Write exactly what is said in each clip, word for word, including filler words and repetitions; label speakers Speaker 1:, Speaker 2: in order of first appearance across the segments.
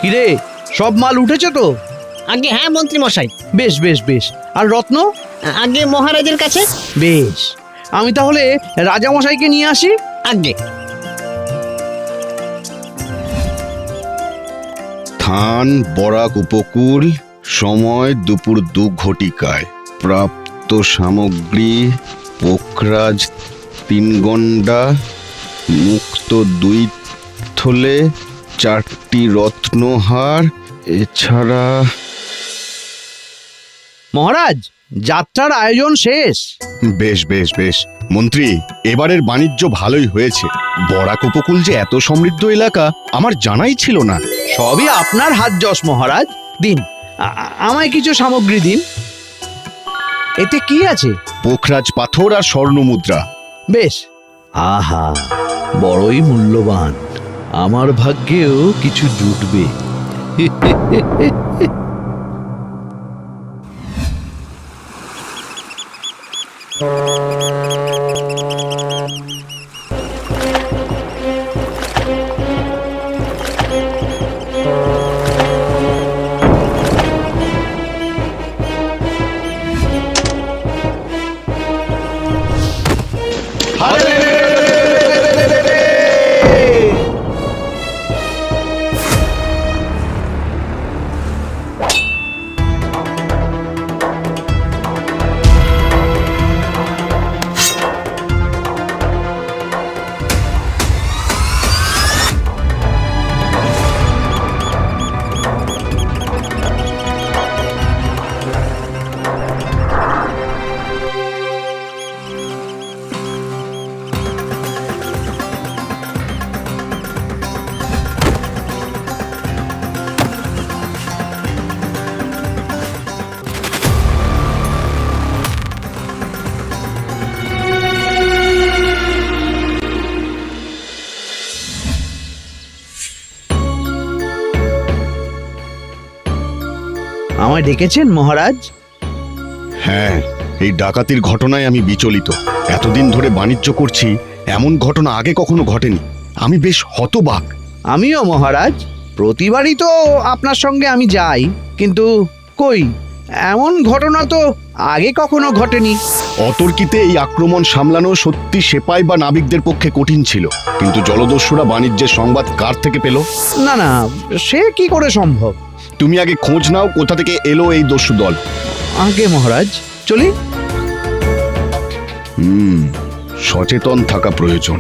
Speaker 1: কিরে, সব মাল উঠেছে তো?
Speaker 2: আগে হ্যাঁ মন্ত্রী মশাই।
Speaker 1: বেশ বেশ বেশ। আর রত্ন?
Speaker 2: আগে মহারাজের কাছে।
Speaker 1: বেশ, আমি তাহলে রাজামশাইকে নিয়ে আসি।
Speaker 2: আগে
Speaker 3: থান বরাক উপকূল, সময় দুপুর দু ঘটিকায়। প্রাপ্ত সামগ্রী পোখরাজ তিন গন্ডা, মুক্ত দুই থলে, চারটি রত্নহার, এছাড়া।
Speaker 1: মহারাজ, যাত্রার আয়োজন শেষ।
Speaker 3: বেশ বেশ বেশ মন্ত্রী, এবারের বাণিজ্য ভালোই হয়েছে। বরাক উপকূল যে এত সমৃদ্ধ এলাকা আমার জানাই ছিল না।
Speaker 1: সবই আপনার হাত যশ মহারাজ। দিন, আ- আমায় কিছু সামগ্রী দিন। এতে কি আছে?
Speaker 3: পোখরাজ পাথর আর স্বর্ণ মুদ্রা।
Speaker 1: বেশ।
Speaker 4: আহা, বড়ই মূল্যবান। আমার ভাগ্যেও কিছু জুটবে।
Speaker 1: আমায় ডেকেছেন মহারাজ?
Speaker 3: হ্যাঁ, এই ডাকাতির ঘটনায় আমি বিচলিত। এতদিন ধরে বাণিজ্য করছি, এমন ঘটনা আগে কখনো ঘটেনি। আমি বেশ হতবাক।
Speaker 1: আমিও মহারাজ। প্রতিবারই তো আপনার সঙ্গে আমি যাই, কিন্তু কই, এমন ঘটনা তো আগে কখনো ঘটেনি।
Speaker 3: অতর্কিতে এই আক্রমণ সামলানো সত্যি সেপাই বা নাবিকদের পক্ষে কঠিন ছিল। কিন্তু জলদস্যুরা বাণিজ্যের সংবাদ কার থেকে পেল?
Speaker 1: না না, সে কি করে সম্ভব?
Speaker 3: তুমি আগে খোঁজ নাও কোথা থেকে এলো এই দস্যু দল।
Speaker 1: আগে মহারাজ, চলি।
Speaker 3: হুম, সচেতন থাকা প্রয়োজন।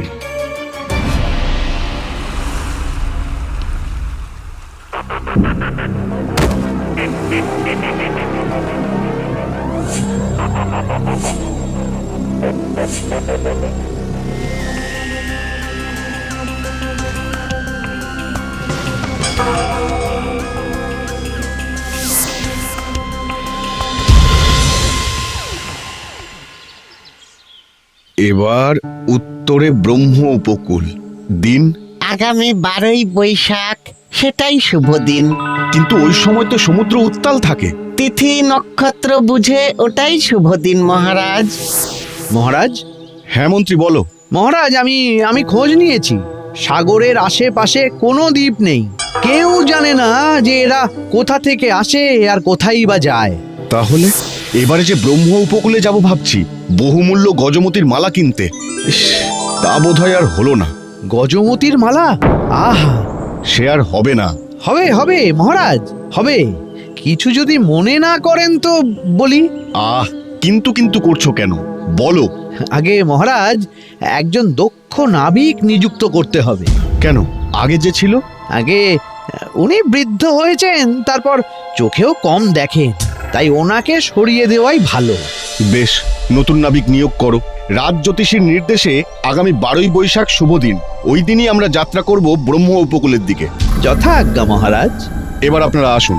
Speaker 3: এবার উত্তরে ব্রহ্ম উপকূল। দিন
Speaker 2: আগামী বারোই বৈশাখ, সেটাই শুভ দিন।
Speaker 3: কিন্তু ওই সময় তো সমুদ্র উত্তাল থাকে।
Speaker 2: তিথি নক্ষত্র বুঝে ওটাই শুভ দিন মহারাজ।
Speaker 1: মহারাজ,
Speaker 3: হ্যাঁ মন্ত্রী, বলো।
Speaker 1: মহারাজ, আমি আমি খোঁজ নিয়েছি। সাগরের আশেপাশে কোনো দ্বীপ নেই। কেউ জানে না যে এরা কোথা থেকে আসে আর কোথায় বা যায়।
Speaker 3: তাহলে এবারে যে ব্রহ্ম উপকূলে যাব ভাবছি, বহুমূল্য গজমতির মালা কিনতে। ইস, তা বোধহয় আর হলো না।
Speaker 1: গজমতির মালা? আহা,
Speaker 3: সে আর হবে না।
Speaker 1: হবে হবে মহারাজ, হবে। কিছু যদি মনে না করেন তো বলি।
Speaker 3: আহ, কিন্তু কিন্তু করছো কেন, বলো।
Speaker 1: আগে মহারাজ, একজন দক্ষ নাবিক নিযুক্ত করতে হবে।
Speaker 3: কেন, আগে যে ছিল?
Speaker 1: আগে উনি বৃদ্ধ হয়েছেন, তারপর চোখেও কম দেখেন, তাই ওনাকে সরিয়ে দেওয়াই ভালো।
Speaker 3: বেশ, নতুন নাবিক নিয়োগ করো। রাজ জ্যোতিষীর নির্দেশে আগামী বারোই বৈশাখ শুভ দিন। ওই দিনই আমরা যাত্রা করব ব্রহ্ম উপকূলের দিকে।
Speaker 1: যথা আজ্ঞা মহারাজ।
Speaker 3: এবার আপনারা আসুন।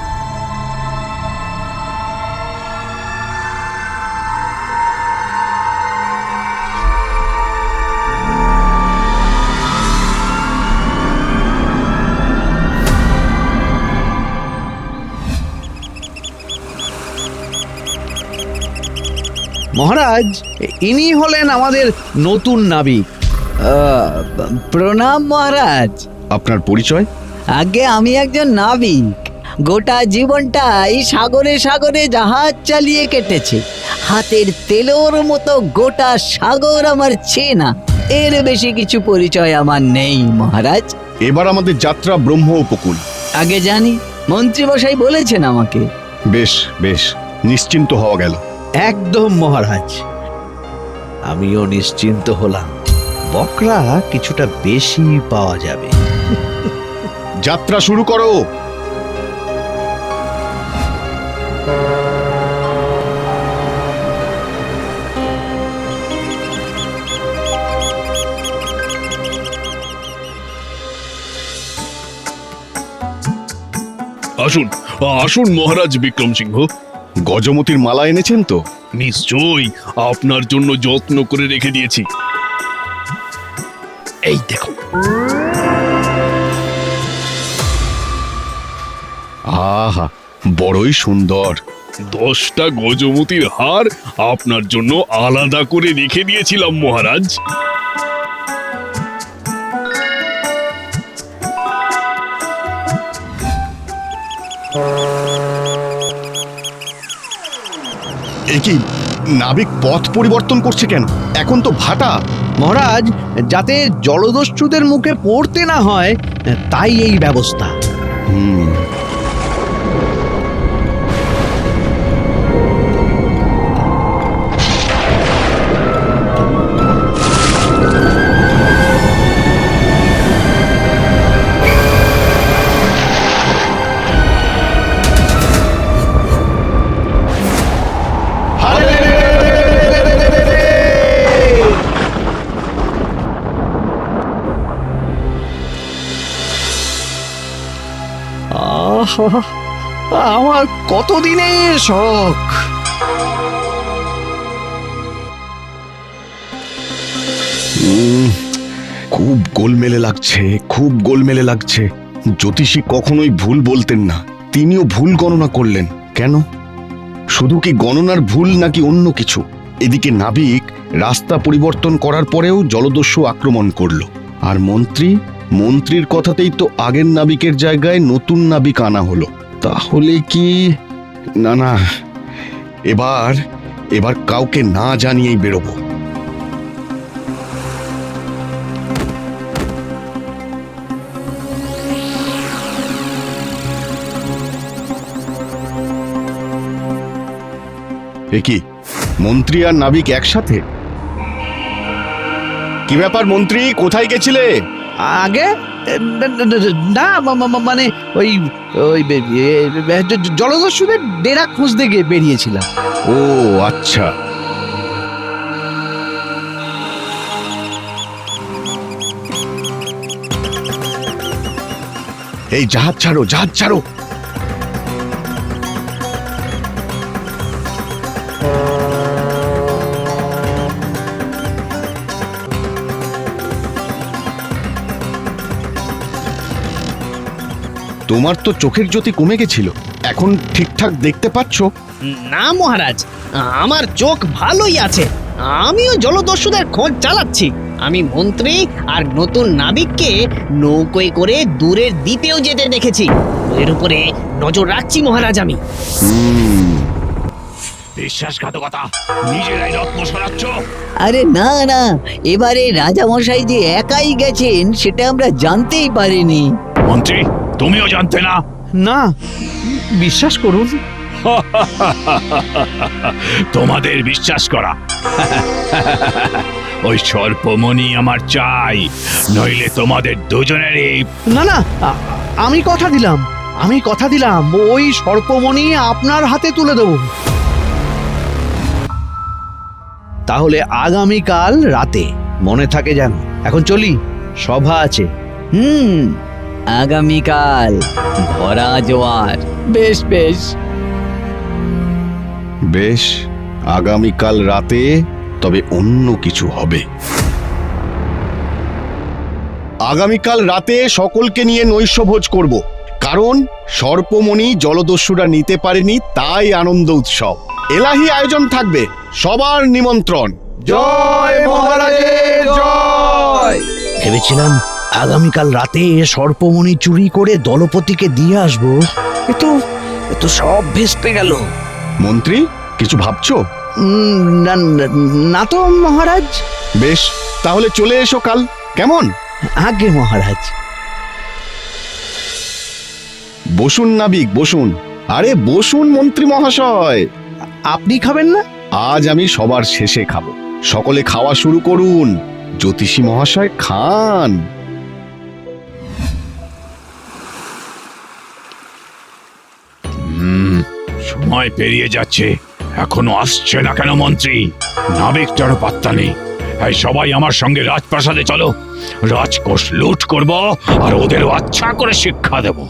Speaker 1: মহারাজ, ইনি হলেন আমাদের নতুন নাবিক।
Speaker 4: প্রণাম মহারাজ।
Speaker 3: আপনার পরিচয়?
Speaker 2: আগে আমি একজন নাবিক, গোটা জীবনটাই সাগরে সাগরে জাহাজ চালিয়ে কেটেছে। হাতের তেলোর মতো গোটা সাগর আমার চেনা, এর বেশি কিছু পরিচয় আমার নেই মহারাজ।
Speaker 3: এবার আমাদের যাত্রা ব্রহ্ম উপকূল।
Speaker 2: আগে জানি, মন্ত্রী মশাই বলেছেন আমাকে।
Speaker 3: বেশ বেশ, নিশ্চিন্ত হওয়া গেল।
Speaker 1: একদম মহারাজ।
Speaker 4: আমিও নিশ্চিন্ত হলাম, বকরা কিছুটা বেশি পাওয়া যাবে।
Speaker 3: যাত্রা শুরু করো।
Speaker 5: আসুন আসুন মহারাজ বিক্রম সিংহ।
Speaker 3: গজমতির মালা এনেছেন তো?
Speaker 5: নিশ্চয়ই, আপনার জন্য যত্ন করে রেখে দিয়েছি। এই দেখো।
Speaker 3: আহা, বড়ই সুন্দর।
Speaker 5: দশটা গজমতির হার আপনার জন্য আলাদা করে রেখে দিয়েছিলাম মহারাজ।
Speaker 3: এ কি, নাবিক পথ পরিবর্তন করছে কেন? এখন তো ভাটা।
Speaker 1: মহারাজ, যাতে জলদস্যুদের মুখে পড়তে না হয় তাই এই ব্যবস্থা।
Speaker 3: হুম,
Speaker 1: আহা, আমার কতদিনের শখ।
Speaker 3: উম, খুব গোলমেলে লাগছে, খুব গোলমেলে লাগছে। জ্যোতিষী কখনোই ভুল বলতেন না, তিনিও ভুল গণনা করলেন কেন? শুধু কি গণনার ভুল নাকি অন্য কিছু? এদিকে নাবিক রাস্তা পরিবর্তন করার পরেও জলদস্যু আক্রমণ করলো, আর মন্ত্রী মন্ত্রীর কথাতেই তো আগের নাবিকের জায়গায় নতুন নাবিক আনা হলো। তাহলে কি? না না, এবার এবার কাউকে না জানিয়েই বেরোবো। এ কি, মন্ত্রী আর নাবিক একসাথে? কি ব্যাপার মন্ত্রী, কোথায় গেছিলে?
Speaker 1: আগে না, মা- মা- মানে ওই ওই বে- এ- জ- জলদস্যুদের ডেরা খুঁজতে গিয়ে বেরিয়েছিলাম।
Speaker 3: ও আচ্ছা। এই জাহাজ ছাড়ো, জাহাজ ছাড়ো। তোমার তো চোখের জ্যোতি কমে গেছিল, এখন ঠিকঠাক দেখতে পাচ্ছো?
Speaker 6: না মহারাজ, আমার চোখ ভালোই আছে। আমিও জলদস্যুদের খোঁজ চালাচ্ছি। আমি মন্ত্রী আর নতুন নাবিককে নৌকোয় করে দূরের দ্বীপেও যেতে দেখেছি। এর উপরে নজর রাখছি মহারাজ আমি।
Speaker 3: হুম,
Speaker 5: বিশ্বাসঘাতকতা, নিজেরাই রত্ন সরাচ্ছ।
Speaker 2: আরে না না, এবারে রাজামশাই যে একাই গেছেন সেটা আমরা জানতেই পারিনি।
Speaker 5: মন্ত্রী, তুমিও জানতে না?
Speaker 1: না, বিশ্বাস করুন।
Speaker 5: তোমাদের বিশ্বাস করা। ওই সর্পমণি আমার চাই, নইলে তোমাদের দুজনেরই।
Speaker 1: না না, আ- আমি কথা দিলাম, আমি কথা দিলাম ওই সর্পমণি আপনার হাতে তুলে দেব। তাহলে আগামীকাল রাতে মনে থাকে যেন। এখন চলি, সভা আছে।
Speaker 2: হুম, আগামীকাল ভরা জোয়ার। বেশ বেশ।
Speaker 3: বেশ, আগামীকাল রাতে তবে অন্য কিছু হবে। আগামীকাল রাতে সকলকে নিয়ে নৈশভোজ করব, কারণ সর্পমণি জলদস্যুরা নিতে পারেনি, তাই আনন্দ উৎসব। এলাহি আয়োজন থাকবে, সবার নিমন্ত্রণ।
Speaker 1: জয় মহারাজের জয়। ভেবেছিলাম আগামীকাল রাতে সর্পমণি চুরি করে দলপতিকে দিয়ে আসবো। এ তো এ তো সব ভেস্তে গেল।
Speaker 3: মন্ত্রী কিছু ভাবছো?
Speaker 1: উম, না না- না তো মহারাজ।
Speaker 3: বেশ, তাহলে চলে এসো কাল, কেমন?
Speaker 1: আগে মহারাজ।
Speaker 3: বসুন নাবিক, বসুন। আরে বসুন মন্ত্রী মহাশয়।
Speaker 1: আপনি খাবেন না?
Speaker 3: আজ আমি সবার শেষে খাবো। সকলে খাওয়া শুরু করুন। জ্যোতিষী মহাশয় খান।
Speaker 7: সময় পেরিয়ে যাচ্ছে, এখনো আসছে না কেন মন্ত্রী? নাবিকটারও পাত্তা নেই। এই সবাই আমার সঙ্গে রাজপ্রাসাদে চলো, রাজকোষ লুট করব আর ওদেরও আচ্ছা করে শিক্ষা দেব।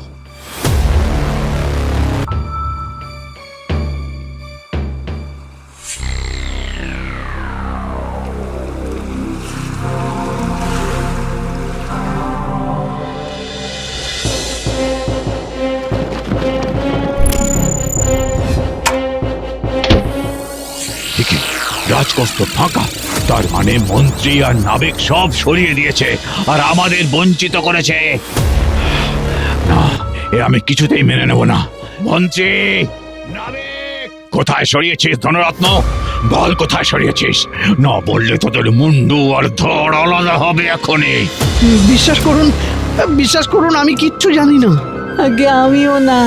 Speaker 7: ঠিকই, রাজকোষ তো ফাঁকা। তার মানে মন্ত্রী আর নাবিক সব সরিয়ে দিয়েছে আর আমাদের বঞ্চিত করেছে। না, এ আমি কিছুতেই মেনে নেব না। মন্ত্রী, নাবিক, কোথায় সরিয়েছিস ধনরত্ন? বল কোথায় সরিয়েছিস? না বললে তোদের মুন্ডু আর ধড় আলাদা হবে এখনই।
Speaker 1: বিশ্বাস করুন, বিশ্বাস করুন, আমি কিচ্ছু জানি না।
Speaker 2: আগে আমিও না।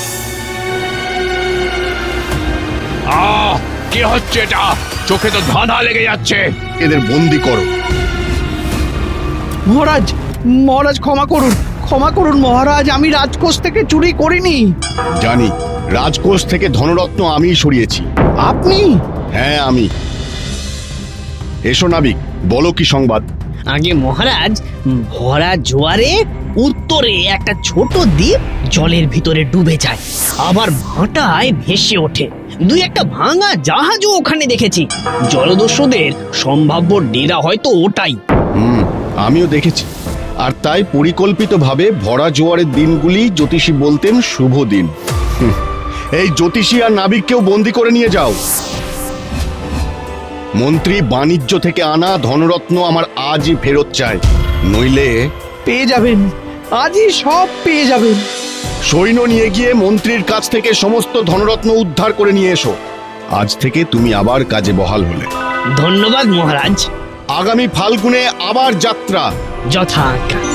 Speaker 7: আহ, কি হচ্ছে এটা? চোখে তো ধাঁধা লেগে যাচ্ছে।
Speaker 3: এদের বন্দি করো।
Speaker 1: মহারাজ, মহারাজ ক্ষমা করুন, ক্ষমা করুন মহারাজ, আমি রাজকোষ থেকে চুরি করিনি।
Speaker 3: জানি, রাজকোষ থেকে ধনরত্ন আমিই সরিয়েছি।
Speaker 1: আপনি?
Speaker 3: হ্যাঁ আমি। এসো নাবিক, বলো কি সংবাদ?
Speaker 6: আগে মহারাজ, ভরা জোয়ারে উত্তরে একটা ছোট দ্বীপ জলের ভিতরে ডুবে যায়, আবার ভাটায় ভেসে ওঠে। দুই একটা ভাঙা জাহাজও ওখানে দেখেছি। জলদস্যুদের সম্ভাব্য ডেরা হয়তো ওটাই।
Speaker 3: হুম, আমিও দেখেছি। আর তাই পরিকল্পিতভাবে ভরা জোয়ারের দিনগুলি জ্যোতিষী বলতেন শুভ দিন। হুম, এই জ্যোতিষী আর নাবিককেও বন্দি করে নিয়ে যাও। মন্ত্রী, বাণিজ্য থেকে আনা ধনরত্ন আমার আজই ফেরত চাই, নইলে
Speaker 1: পেয়ে যাবেন, আজই সব পেয়ে যাবেন।
Speaker 3: সৈন্য নিয়ে গিয়ে মন্ত্রীর কাছ থেকে সমস্ত ধনরত্ন উদ্ধার করে নিয়ে এসো। আজ থেকে তুমি আবার কাজে বহাল হলে।
Speaker 6: ধন্যবাদ মহারাজ।
Speaker 3: আগামী ফাল্গুনে আবার যাত্রা।
Speaker 6: যথা আজ্ঞা।